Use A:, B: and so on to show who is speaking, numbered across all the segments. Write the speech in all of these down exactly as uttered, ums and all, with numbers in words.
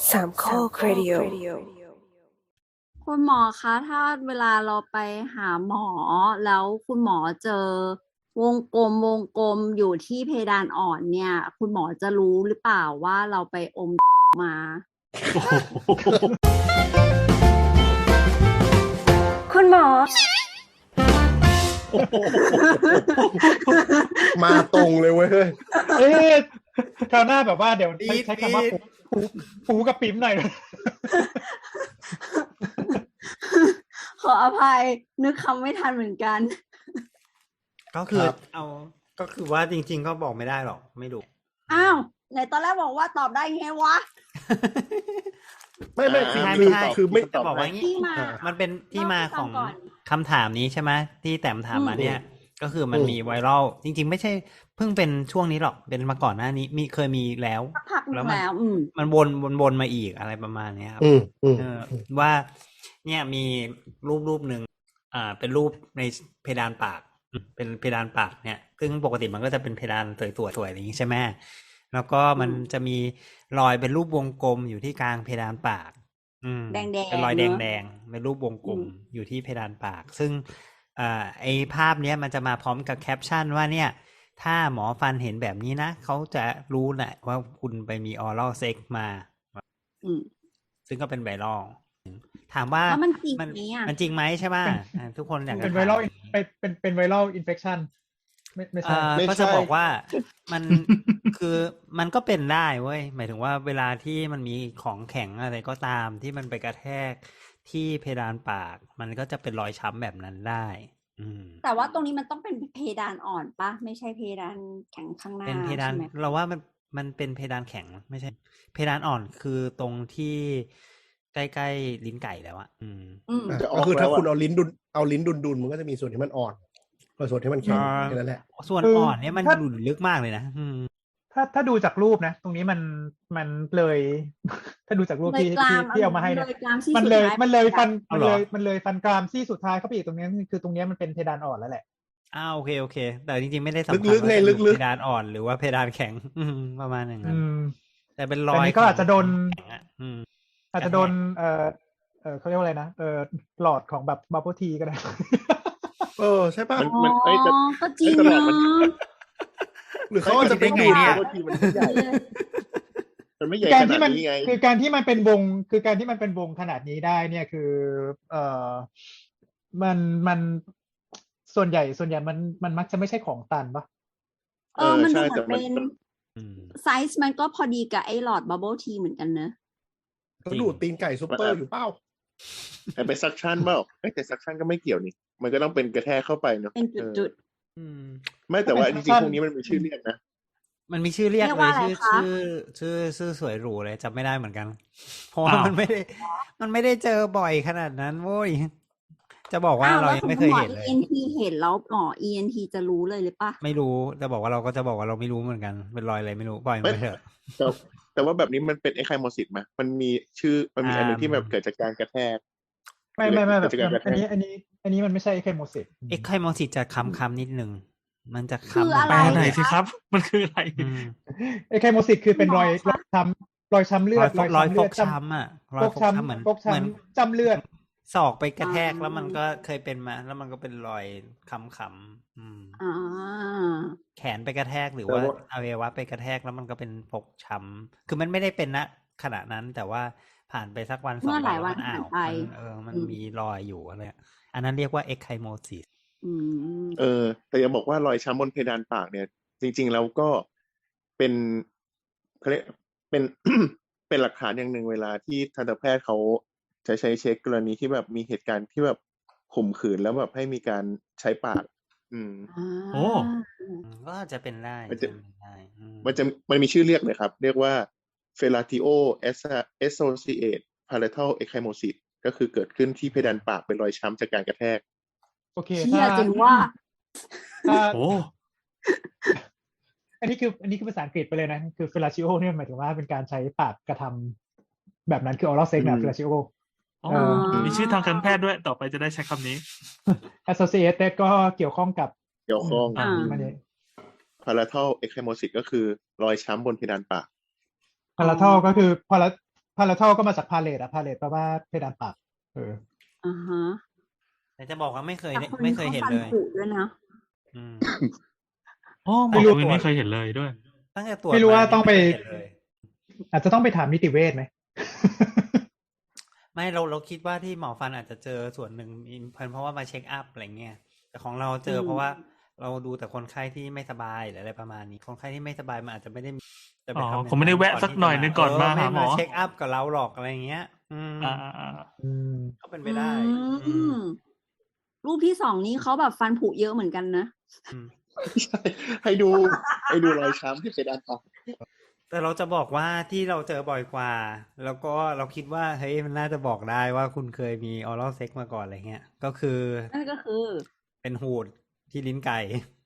A: สามข้อครดิโอ
B: คุณหมอคะถ้าเวลาเราไปหาหมอแล้วคุณหมอเจอวงกลมวงกลมอยู่ที่เพดานอ่อนเนี่ย คุณหมอจะรู้หรือเปล่าว่าเราไปอมมา
A: คุณหมอ
C: มาตรงเลยเว้ย
D: เอ๊ะคราวหน้าแบบว่าเดี๋ยว
E: ดี
D: ใช้
E: ด
D: ใช้คำว่า
E: ดีด
D: ปูปูปูกับปิ๋มหน่อย
B: ขออภัยนึกคำไม่ทันเหมือนกัน
E: ก็คือ
C: ครับ
E: เอาก็คือว่าจริง ๆ ก็บอกไม่ได้หรอกไม่รู้
B: อ้าวไหนตอนแรกบอกว่าตอบได้ไงวะ
C: ไม่ไม่
E: ไม่
C: คือ
E: ใช่
C: คือ
E: ไม่
C: คือไม่
E: ใช่จะบอกว่างี้
B: ที่มา
E: มันเป็นที่มาของ
B: เล่าให้ฟังก่อน
E: คำถามนี้ใช่ไหมที่แต้มถามมา
B: อืม
E: เนี่ย ก็คือมันมีไวรัลจริง ๆ ไม่ใช่เพิ่งเป็นช่วงนี้หรอกเป็นมาก่อนหน้านี้มีเคยมีแล้ว
B: สักพักหนึ
E: แล้ว
B: ง
E: มัน
B: แล้ว อืม
E: มันวนวนวนมาอีกอะไรประมาณเนี้ยครับ
C: อืมอืม
E: เออว่าเนี่ยมีรูปรูปหนึ่งอ่าเป็นรูปในเพดานปากอืมเป็นเพดานปากเนี่ย ซึ่งปกติมันก็จะเป็นเพดานสวยๆสวยๆอย่างนี้ใช่ไหมแล้วก็มัน
B: อืม
E: จะมีรอยเป็นรูปวงกลมอยู่ที่กลางเพดานปาก อืม
B: แดงๆ
E: เป็นรอยแด
B: เนอะ
E: งๆเป็นรูปวงกลม
B: อืม
E: อยู่ที่เพดานปาก ซึ่งอ่าไอภาพเนี้ยมันจะมาพร้อมกับแคปชั่นว่าเนี่ย ถ้าหมอฟันเห็นแบบนี้นะเขาจะรู้แหละว่าคุณไปมีออรัลเซ็กมา
B: อืม
E: ซึ่งก็เป็นไวรัลถามว่า
B: แล้วมันจริง
E: มัน
B: ไหมอ่ะ
E: มันจริงไหมใช่ไหมอ่าทุกคนอยากจะ
D: เป็นไว
E: ถาม
D: รัลเป็นเป็นเป็นไวรัลอินเฟคชันไม่ไม่ใช่
E: อ่า
C: ไม่
E: ก็
C: ใช่
E: จะบอกว่ามัน คือมันก็เป็นได้เว้ยหมายถึงว่าเวลาที่มันมีของแข็งอะไรก็ตามที่มันไปกระแทกที่เพดานปาก มันก็จะเป็นรอยช้ำแบบนั้นได้ อืม
B: แต่ว่าตรงนี้มันต้องเป็นเพดานอ่อนปะไม่ใช่เพดานแข็งข้างหน้า
E: เป็นเพดาน
B: ใช่ไหม
E: เราว่ามันมันเป็นเพดานแข็งไม่ใช่ เพดานอ่อนคือตรงที่ใกล้ๆลิ้นไก่แล้วอะอืม
B: อืม
C: อ่ะ
F: จะออก
C: ก็คือถ้า
F: แล้วอะ
C: คุณเอาลิ้นดุนเอาลิ้นดุนดุนมันก็จะมีส่วนที่มันอ่อนกับส่วนที่มันแข็ง
E: อ่า
C: แค่นั้นแหละ
E: ส่วน
D: คือ
E: อ่อนเนี่ยมัน
D: ถ้า
E: หลุดลึกมากเลยนะอืม
D: ถ้าถ้าดูจากรูปนะ ตรงนี้มันมันเลย ถ้าดูจากรูป
B: เลย
D: ที่
B: กราม
D: ที่ที่เอามาให้เนี่ย
B: เลยกรามซี่
D: มัน
B: สุด
D: เลย
B: ท้าย
D: มันเลยฟัน
E: เอา
D: มัน
E: เหรอ
D: เลยมันเลยฟันกรามซี่สุดท้ายเข้าไปอีกตรงนี้คือตรงนี้มันเป็นเพดานอ่อนแล้วแหละ
E: อ้าวโอเคโอเค แต่จริงๆไม่ได้สำคัญ
C: ลึกๆ
E: ว่า
C: ไง
E: จะ
C: ลึกๆ
E: เพดานอ่อนหรือว่าเพดานแข็ง อืมประมาณอย่างนั้
D: อื
E: น
D: ม
E: แต่เป็นร
D: แต่
E: อย
D: นี้ก็อาจจะโดน
E: แข็งอะอืม
D: อาจจะโดนเอ่อเอ่อเขาเรียกว่าอะไรนะเอ่อหลอดของแบบบับเบิลทีก็ได้
C: เออใช่ป่ะ
F: มัน
B: อ๋อ
F: มันเอ้ยแต่
B: ก็จริง
F: ไอ้ตลอ
B: เนา
F: ดมัน
B: ะ
C: หรือเขาอาจจะไป
E: ได้
C: ดู
E: ไง
C: ด
E: เนี่ย
F: บางทีมันไม่ใหญ่ มันไม่ใหญ่
D: การ
F: ขนา
D: ที่
F: ด
D: มัน
F: นี้ไง
D: คือการที่มันเป็นวงคือการที่มันเป็นวงขนาดนี้ได้เนี่ยคือ เอ่อมันมันส่วนใหญ่ส่วนใหญ่มันมันมักจะไม่ใช่ของตันปะ
B: เออ มันดู
F: ใช่
B: เหมื
F: แต่
B: อน
F: มัน
B: เป็น
F: มัน
E: อืม
B: ไซส์มันก็พอดีกับไอ้หลอดบับเบิลทีเหมือนกันเนอะ
C: เขาดูดตีนไก่ซุปเปอร์อยู่เปล่า
F: แต่ไปซักชั่นเปล่าเอ้ยแต่ซักชั่นก็ไม่เกี่ยวนี่ มันก็ต้องเป็นกระแทกเข้าไปเนาะ
B: เป็น
F: เออ
B: จุด
E: อืม
F: ไม่แต่ว่าจ
D: เป็น
F: ริง
D: ซักชั่น
F: ๆพวกนี้มันมีชื่อเรียกนะ
E: มันมีชื่อเรียก
B: เรียก
E: เล
B: ว่าย อะไร
E: ชื่อ
B: คะ
E: ชื่อชื่อชื่อสวยหรูเลยจำไม่ได้เหมือนกัน เพราะว่า
D: อ้าว
E: มันไม่ได้ มันไม่ได้เจอบ่อยขนาดนั้นโว้ยจะบอก
B: ๆ
E: ว่า
B: อ้าว
E: เรา
B: แล้ว
E: ยั
B: ส
E: ง
B: ม
E: ไม่
B: ม
E: เค
B: ติ
E: ย
B: หมอ
E: เห็นเลย
B: อี เอ็น ที เห็นแล้วหมอ อี เอ็น ที จะรู้เลยหรือปะ
E: ไม่รู้จะบอกว่าเราก็จะบอกว่าเราไม่รู้เหมือนกัน เป็นรอยอะไรไม่รู้ปล่อยมัน
F: ไม่
E: ไปเถอะ
F: แต่แต่ว่าแบบนี้มันเป็นไอไคโมซิสไหมมันมีชื่อมันมีอันหนึง
E: อ่า
F: ที่แบบเกิดจากการกระแทก
D: ไม่ไม่ไม่แบ
F: เกิด
D: บ
F: จากการกระแท
D: อัน
F: ก
D: นี้อันนี้ อันนี้มันไม่ใช่แค่โมเสส
E: เอ็กไคโมซิสจะคำคำๆนิดนึง มันจะ
B: คือ
E: คำ
B: อะไร
G: แปลหน่อย
B: คะ
G: สิครับ มันคืออะไร
E: อืม
D: ไอ้ไคโมซิสคือเป็นรอย
B: หมอ
D: รอยช้ำรอยช้ำเลื
E: ร
D: อ
E: อ
D: ด
E: ยฟกรอยฟ
D: เลื
E: ก
D: จ
E: ช้ำอ่ะร
D: ำ
E: อย
D: ฟก
E: ฟก
D: ช้
E: ช้ำเหมือน
D: ำฟก
E: เหมือน
D: ช้ำจำเลือด
E: ศอกไปกระแทก
B: อ่า
E: แล้วมันก็เคยเป็นมา แล้วมันก็เป็นรอยคำคำๆอืม
B: อ่า
E: แขนไปกระแทกหรือ
F: แต่
E: ว่า
F: ว่า
E: อวัยวะไปกระแทกแล้วมันก็เป็นฟกช้ำคือมันไม่ได้เป็นณขณะนั้น แต่ว่าผ่านไปสักวันสอง
B: เมื่อห
E: วั
B: ลาน ย
E: แล้ว
B: วัน
E: มันอ้า
B: ผ่าน
E: ว
B: ไป
E: มันเออมัน
B: อืม
E: มีรอยอยู่อะไรอะอันนั้นเรียกว่าเอ็กไคโมซิส
B: อืม
F: เออ แต่ยังบอกว่ารอยช้ำบนเพดานปากเนี่ย จริง ๆ แล้วก็เป็นเขาเรียกเป็น เป็นหลักฐานอย่างหนึ่งเวลาที่ทันตแพทย์เขาจะใช้เช็คกรณีที่แบบมีเหตุการณ์ที่แบบข่มขืนแล้วแบบให้มีการใช้ปาก อืม
B: อ่า
G: โอ้
E: ก็อาจจะเป็นได้
F: มันจะ
E: เป็นได้อืม
F: มันจะมันมีชื่อเรียกเลยครับ เรียกว่า fellatio associated palatal ecchymosis ก็คือเกิดขึ้นที่เพดานปากเป็นรอยช้ำจากการกระแทก
D: โอเค
B: เชี่ย
D: ถ้า
B: จริงว่า
D: ถ้า
G: โอ้
D: อันนี้คืออันนี้คือภาษาอังกฤษไปเลยนะ คือ fellatio เนี่ยหมายถึงว่าเป็นการใช้ปากกระทำแบบนั้นคือ oral sex แบบ
F: อืม
D: fellatio
G: อ๋อ
D: เออ
G: มีชื่อทางการแพทย์ด้วย ต่อไปจะได้ใช้คำนี้
D: associated ก็เกี่ยวข้องกับ
F: เกี่ยวข้อง
B: อ่า
D: มันเนี่ย
F: palatal ecchymosis ก็คือรอยช้ำบนเพดานปาก
D: พาราทอลก็คือพาราพพาราทอลก็มาจากพาเลตอะพาเลตแปลว่าเพดานปากเออ
B: อ่าฮะ
E: แต่จะบอกว่าไม่เคย
B: แต่
E: ได้
B: คน
E: ไม่
B: นี้
E: เคย
B: เขา
E: เห็น
B: ฟัน
E: เลย
B: ผุด้วยนะ
E: อืม
G: อ๋อหม
D: ไม่
G: อ
D: รู้
G: วินไม่เคยเห็นเลยด้วย
E: ตั้งแต่ตรวจ
D: ไม่รู้ว่า
E: นี่
D: ต้องไป
E: ม่เคยเห็นเลย
D: อาจจะต้องไปถามนิติเวชไหม
E: ไม่เราเราคิดว่าที่หมอฟันอาจจะเจอส่วนหนึ่งเพราะว่ามาเช็คอัพอะไรเงี้ยแต่ของเราเจอ
B: อืม
E: เพราะว่าเราดูแต่คนไข้ที่ไม่สบายหรืออะไรประมาณนี้ คนไข้ที่ไม่สบายมันอาจจะไม่ได้มีจะไป
G: อ๋อ
E: ทำอย่าง
G: คงไม่ได้แวะ
E: ก่
G: สักหน่อย
E: ที่จะ
G: นึงก่อนมา
E: เไม่
G: หาหมอ
E: เช็คอัพกับเราหรอกอะไรเงี้ย อืม
G: อ่าอ่า
D: อืม
E: ก็เป็นไปได้
B: อื
E: อืม
B: มรูปที่สองนี้เขาแบบฟันผุเยอะเหมือนกันนะ
E: อืม
F: ใช่ให้ดูให้ดูรอยช้ำที่เพดานปาก
E: แต่เราจะบอกว่าที่เราเจอบ่อยกว่า แล้วก็เราคิดว่าเฮ้ยมันน่าจะบอกได้ว่าคุณเคยมีออรัลเซ็กมาก่อนอะไรเงี้ย ก็คือ
B: นั่นก็คือ
E: เป็นหูดที่ลิ้นไก่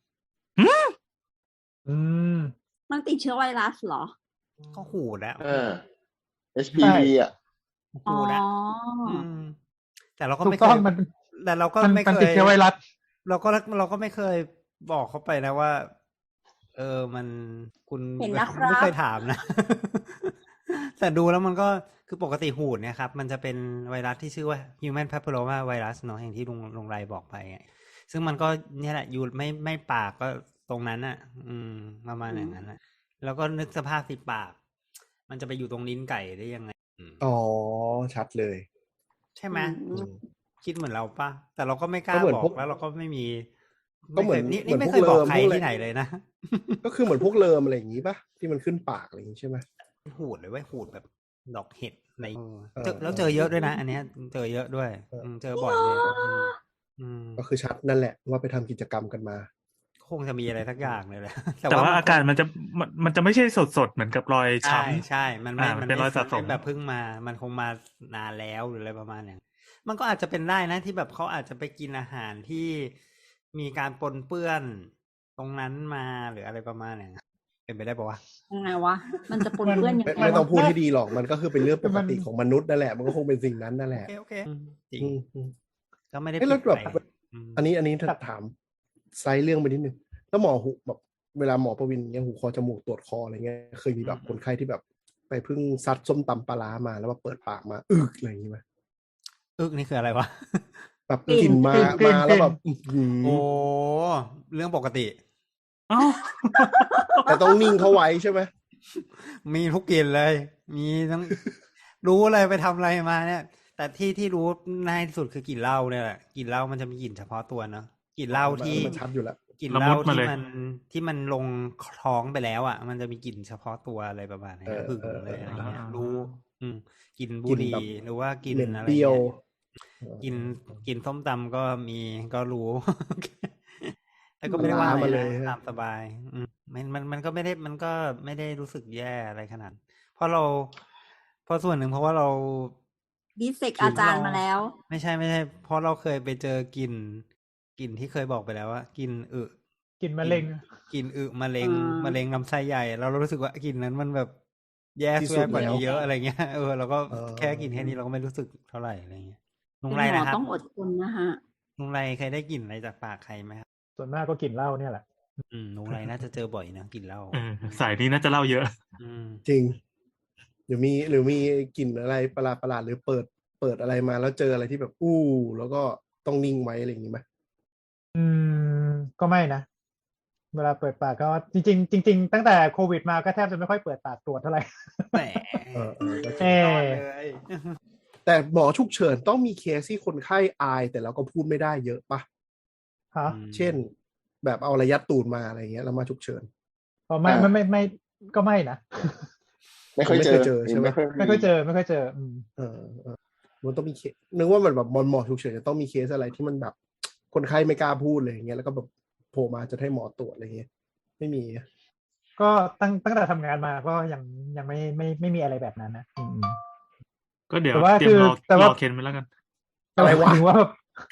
D: อืม
B: มันติดเชื้อไวรัสเหรอ
E: ก็หูดแล้ว
F: อ่า เอช พี วี อ่ะ
B: อ๋อ
E: หูดแล้วอืมแต่เราก็
D: ถู
E: ไม่
D: ก
E: เค
D: ต้อง
E: ย
D: มัน
E: แต่เราก็
D: มัน
E: ไม่
D: มัน
E: เค
D: ติด
E: ย
D: เชื้อไวรัส
E: เราก็เราก็ไม่เคยบอกเขาไปนะว่า เออมันคุณ
B: เห็นนะครับ
E: ไม่เคยถามนะ แต่ดูแล้วมันก็คือปกติหูดเนี่ยครับ มันจะเป็นไวรัสที่ชื่อว่า human papilloma virus เนาะอย่างที่ลุงลุงไรบอกไปไงซึ่งมันก็เนี่ยแหละอยู่ไม่ไม่ปากก็ตรงนั้นอ่ะ อืมประมาณอย่างนั้นนะแล้วก็นึกสภาพสิปาก มันจะไปอยู่ตรงลิ้นไก่ได้ยังไงอืม
C: อ๋อชัดเลย
E: ใช่ไหม
B: อืม
E: คิดเหมือนเราปะแต่เราก็ไม่กล้า
C: ก็เหมือน
E: บอ
C: พว
E: ก
C: ก
E: แล้วเราก็ไม่มี
C: ก็เหมือน
E: ไคยนี่
C: เหมื
E: นี่
C: อน
E: ไม่
C: พวก
E: เคยบอก
C: เลิม
E: ใคร
C: พวกอะไร
E: ที่ไหนเลยนะ
C: ก็คือเหมือนพวกเลิมอะไรอย่างงี้ปะที่มันขึ้นปากอะไรอย่างงี้ใช่ไหม
E: หูดเลยเว้ยหูดแบบดอกเห็ดใน
C: เออ
E: เจอแล้วเจอเยอะด้วยนะ อันเนี้ยเจอเยอะด้วย
C: เอออื
E: มเจอบ่อยเลยอืมอืม
C: ก็คือชัดนั่นแหละว่าไปทำกิจกรรมกันมา
E: คงจะมีอะไรสักอย่างเลยแหละ
G: แต่ว่า
E: มัน
G: อาการมันจะมันมันจะไม่ใช่สดสดๆเหมือนกับรอย
E: ใช่
G: ช้ำ
E: ใช่มันไม่
G: อ่ามันเป็นรอยสะสม
E: ไแบบเพิ่งมา มันคงมานานแล้วหรืออะไรประมาณอย่างมันก็อาจจะเป็นได้นะที่แบบเขาอาจจะไปกินอาหารที่มีการปนเปื้อนตรงนั้นมาหรืออะไรประมาณอย่างนั้นเป็นไปได้ปะวะ
B: ยังไงวะ มันจะปนเปื้อนยัง
C: ไม่
B: ไง
C: ไม่ต้อง
B: วะ
C: พูดให้ดีหรอกมันก็คือเป็นเรื่องปกติ
D: มัน
C: ของมนุษย์นั่นแหละ มันก็คงเป็นสิ่งนั้นนั่นแห
E: โอ
C: ละ
E: เคโอเคอืมจริง
C: อืมอืม
E: ก็ไม่ได้
C: เอ้ย
E: ผิ
C: แล้
E: ด
C: วแบบ
E: ไปอืม
C: อันนี้อันนี้ถ้าถามไซส์เรื่องไปนิดนึงแล้วหมอหูแบบเวลาหมอประวินเนี่ยหูคอจมูกตรวจคออะไรเงี้ยเคยมีแบบคนไข้ที่แบบ ไปเพิ่งซัดส้มตำปลาร้ามาแล้วมาเปิดปากมาอึกอะไรอย่างงี้ไหม
E: อึกนี่คืออะไรวะ
C: แบบ
B: กลิ่น
C: กลิ่นมาก
D: ลิ่น
C: มาแล้ว
D: กลิ่น
C: แบบอื้อหือ
E: โอ้เรื่องปกติ
G: อ้าว
C: แต่ต้องนิ่งเขาไว้ใช่ไหม
E: มีทุกกลิ่นเลย มีทั้ง รู้เลยไปทำอะไรมาเนี่ย แต่ที่ที่รู้ง่ายที่สุดคือกลิ่นเหล้าเนี่ยแหละกลิ่นเหล้ามันจะมีกลิ่นเฉพาะตัวเนอะกลิ่นเหล้าที่
C: มันชัดอยู่แล้ว
E: กลิ่นเหล้า
G: ละมุดมา
E: ที่
G: เลย
E: มันที่มันลงท้องไปแล้วอ่ะ มันจะมีกลิ่นเฉพาะตัวอะไรประมาณนี้
C: เออ
E: หึงเลยอะไรเงี้ย
G: เออ
E: รู้ อืมกลิ่นบุ
C: กลิ่น
E: หรี่
C: แบบ
E: หรือว่ากลิ่น
C: เหม็น
E: อะไร
C: เปรี้ยว
E: เงี้ย กินกินส้มตำก็มีก็รู้ แต่ก็ไม่ได้ว่า
C: ล้า
E: อะไร
C: มาเลย
E: นะ
C: ฮะ
E: ตามสบาย อืมมันมันมันก็ไม่ได้มันก็ไม่ได้รู้สึกแย่อะไรขนาด เพราะเราเพราะส่วนหนึ่งเพราะว่าเรา
B: ดิสเซกอาจารย์มาแล้ว
E: ไม่ใช่ไม่ใช่ เพราะเราเคยไปเจอกลิ่นกลิ่นที่เคยบอกไปแล้วว่ากลิ่นอึ
D: กินมะเร็ง
E: กลิ่นอึมะเร็ง
B: อ่าม
E: มะเร็งลำไส้ใหญ่เรารู้สึกว่ากลิ่นนั้นมันแบบแย่
C: ที่สุ
E: แย่
C: ด
E: กว่านี้
C: แล้ว
E: เยอะอะไรเงี้ยเออเราก็
C: เออ
E: แค่กลิ่นแค่นี้เราก็ไม่รู้สึกเท่าไหร่อะไรเงี้ยลุง
B: เป็น
E: ไร
B: หมอ
E: นะครับ
B: ต้องอดทนนะฮะ
E: ลุงไรเคยได้กลิ่นอะไรจากปากใครไหมครับ
D: ส่วนมากก็กินเหล้าเนี่ยแหละ
E: อืมลุงไรน่าจะเจอบ่อยนะกลิ่นเหล้า
G: เออสายนี้น่าจะเล่าเยอะ
E: อืม
C: จริงหรือมีหรือมีกลิ่นอะไรประหลาดประหลาดหรือเปิดเปิดอะไรมาแล้วเจออะไรที่แบบ อู้แล้วก็ต้องนิ่งไว้อะไรอย่างงี้ไหม
D: อืมก็ไม่นะ เวลาเปิดปากก็จริงๆจริงๆตั้งแต่โควิดมาก็แทบจะไม่ค่อยเปิดปากตรวจเท่าไหร่
E: แหม
C: เออเออก็จริ
D: เอง
E: ยอด
D: อ
E: เลย
C: แต่หมอฉุกเฉินต้องมีเคสที่คนไข้อายแต่เราก็พูดไม่ได้เยอะปะ
D: ฮะ
C: เช่น แบบเอาระยัดตูดมาอะไรเงี้ยแล้วมาฉุกเฉิน
D: พอไม่
F: อ่า
D: ไม่ไม่ไม่ก็ไม่นะ
F: ไม่ค่อยเจอ
C: ไม่เคยเจอใช่ไหม
F: ไม่ค่อย
D: ไม่ค่อยเจอไม่ค่อยเจออืม
C: เออเออมันต้องมีเคสนึกว่ามันแบบบอลหมอฉุกเฉินจะต้องมีเคสอะไรที่มันแบบ คนไข้ไม่กล้าพูดเลยอย่างเงี้ยแล้วก็แบบโผล่มาจะให้หมอตรวจอะไรเงี้ยไม่มี
D: ก็ตั้งตั้งแต่ทำงานมาก็ยังยังไม่ไม่ไม่มีอะไรแบบนั้นนะอืม
G: ก็เดี๋ยว
D: แต่ว่า
G: เตรียมรอ
D: คือแต่ว่า
G: รอเคนไปแล้วกัน
C: อะไรวะ
D: หมายถึงว่าแบบ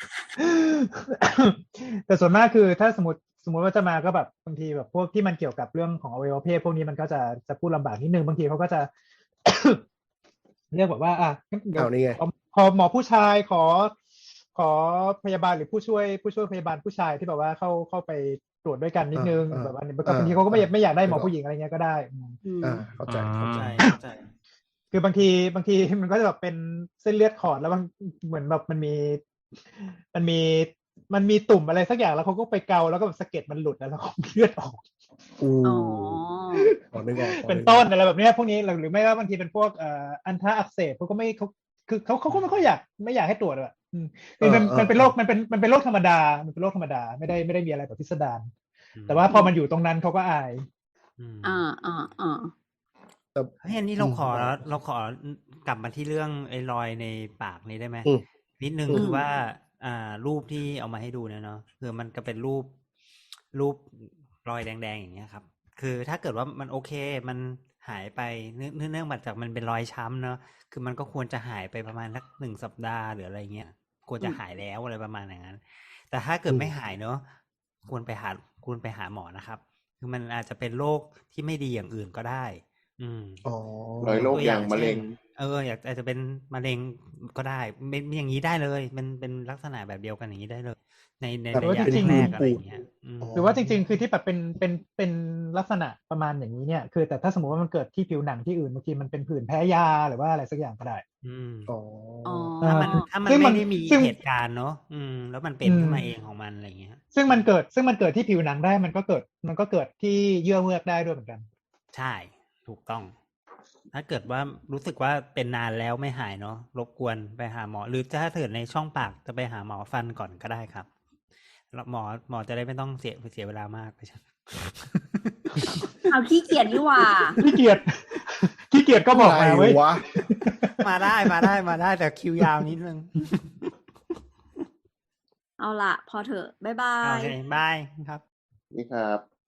D: แต่ส่วนมากคือถ้าสมมติสมมติว่าจะมาก็แบบบางทีแบบพวกที่มันเกี่ยวกับเรื่องของอวัยวะเพศพวกนี้มันก็จะจะพูดลำบากนิดนึงบางทีเขาก็จะ เรียกแบบว่า อ่ะงั้นเดี๋ยว
C: เอานี่ไง
D: ขอขอหมอผู้ชายขอ ขอพยาบาลหรือผู้ช่วยผู้ช่วยพยาบาลผู้ชายที่แบบว่าเข้าเข้าไปตรวจด้วยกันนิดนึง
C: อ่า
D: แบบว่า
C: อ่า
D: บางทีเขาก็ไม่
C: อ่า
D: ไม่อยากได้หมอผู้หญิงอะไรเงี้ยก็ได้อืม
B: อืม
C: อ่าเข้าใจ
G: อ่า
C: เข้าใจ
E: ใช่เข้าใจ
D: คือบางทีบางทีมันก็จะแบบเป็นเส้นเลือดขอดแล้วบางเหมือนแบบมันมี มันมีมันมีตุ่มอะไรสักอย่างแล้วเขาก็ไปเกาแล้วก็แบบสะเก็ดมันหลุดแล้วแล้วก็เลือดออก
C: อู้
B: อ๋อ
C: ขอนึกออกขอ
D: เป็น
C: กออก
D: ต้นอะไรแบบเนี้ยพวกนี้หรือหรือไม่ว่าบางทีเป็นพวกเอ่ออันทะอักเสบเขาก็ไม่เขาคือเขาเขาก็ไม่ค่อยอยากไม่อยากให้ตรวจอะอืมคือมันมันเป็นโรคมันเป็นมันเป็นโรคธรรมดามันเป็นโรคธรรมดาไม่ได้ไม่ได้มีอะไรแบบพิสดารแต่ว่าพอมันอยู่ตรงนั้นเขาก็อาย
E: อืม
B: อ่าอ่าอ่า
C: แต่
E: เฮ้ยอันนี้เราขอ
C: อืม
E: เราขอกลับมาที่เรื่องไอ้รอยในปากนี้ได้ไหม
C: อืม
E: นิดนึง
C: อืม
E: คือว่า อ่า รูปที่เอามาให้ดูเนี่ยเนาะคือมันก็เป็นรูปรูปรอยแดงๆอย่างเงี้ยครับ คือถ้าเกิดว่ามันโอเค มันหายไปเนื่องเนื่องมาจากมันเป็นรอยช้ำเนาะคือมันก็ควรจะหายไปประมาณสักหนึ่งสัปดาห์หรืออะไรเงี้ยควรจะหายแล้วอะไรประมาณอย่างนั้น แต่ถ้าเกิดไม่หายเนาะควรไปหาควรไปหาหมอนะครับ คือมันอาจจะเป็นโรคที่ไม่ดีอย่างอื่นก็ได้ อืม
C: อ๋อ
F: รอยโรคอย่างมะเร็ง
E: เอออยากอาจจะเป็นมะเร็งก็ได้เป็นอย่างนี้ได้เลยมันเป็นลักษณะแบบเดียวกันอย่างนี้ได้เลย ในใน
C: แต่
E: ระ
C: ว่าย
E: ะ
C: จริงๆ
E: แรกๆอะไรอย่างเงี้ยอืม
C: อ๋อ
D: หรือว่าจริงๆ คือที่แบบเป็นเป็นเป็นลักษณะประมาณอย่างนี้เนี่ยคือแต่ถ้าสมมติว่ามันเกิดที่ผิวหนังที่อื่นบางทีมันเป็นผื่นแพ้ยาหรือว่าอะไรสักอย่างก็ได้
E: อืม
C: อ๋อ
B: อ๋อ
E: ถ้ามันถ้ามัน
D: ซึ่งมัน
E: ไม่ได้มี
D: ซึ่ง
E: เหตุการณ์เนาะอืม แล้วมันเป็น
D: อืม
E: ขึ้นมาเองของมันอะไรอย่างเงี้ย
D: ซึ่งมันเกิดซึ่งมันเกิดที่ผิวหนังได้มันก็เกิดมันก็เกิดที่เยื่อเมือกได้ด้วยเหมือนกัน
E: ใช่ถูกต้อง ถ้าเกิดว่ารู้สึกว่าเป็นนานแล้วไม่หายเนาะรบกวนไปหาหมอ หรือถ้าเกิดในช่องปากจะไปหาหมอฟันก่อนก็ได้ครับแล้วหมอหมอจะได้ไม่ต้องเสียเสียเวลามากไปใช่
B: เอาขี้เกียจนี่หว่า
D: ขี้เกียจ ขี้เกียจก็บอกมาเว้ย
C: อะไรวะ
E: มาได้มาได้มาได้แต่คิวยาวนิดนึง
B: เอาละพอเถอะ บ๊ายบา
E: โอย เคบายครับ
F: นี่ครับ